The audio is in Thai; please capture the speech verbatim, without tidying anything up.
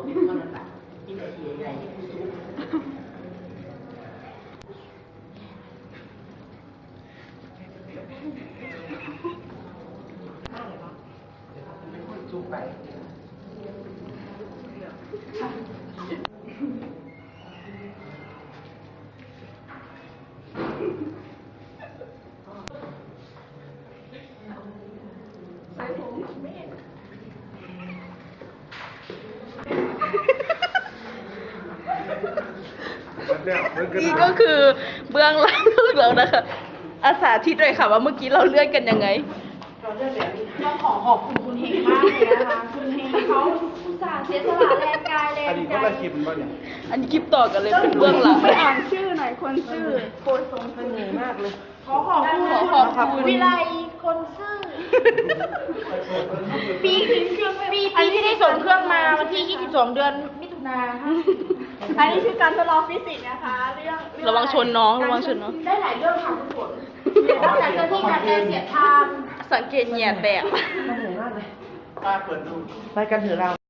ผิดเท่านั้นแหละที่จะเสียใหญ่ที่ผู้สูงจุกไปนี่ก็คือเบื้องหลังของเรานะคะอาสาทิตเลยค่ะว่าเมื่อกี้เราเลื่อนกันยังไงเราเลื่อนแบบนี้ต้องขอขอบคุณคุณเฮงมากเลยนะคะคุณเฮงเขาอุตส่าห์เสียสละแรงกายแรงใจอันนี้ก็ละคลิปป่ะเนี่ยอันนี้คลิปต่อกันเลยเป็นเบื้องหลังไปอ่านชื่อหน่อยคนชื่อโคตรทรงเสน่ห์มากเลยขอขอบคุณขอขอบคุณวิไลคนซื่อปีปีปีที่ได้ส่งเครื่องมาวันที่ยี่สิบสองเดือนมิถุนาค่ะอันนี้คือการทดลองฟิสิกส์นะคะเรื่องระวังชนน้องระวังชนน้องได้หลายเรื่องค่ะคุณฝนนอกจากเจ้าที่การเดินเสียทางสังเกตเหยียดแตกมันเหนื่อยมากเลยป้าเปิดดูไปกันเถอะเรา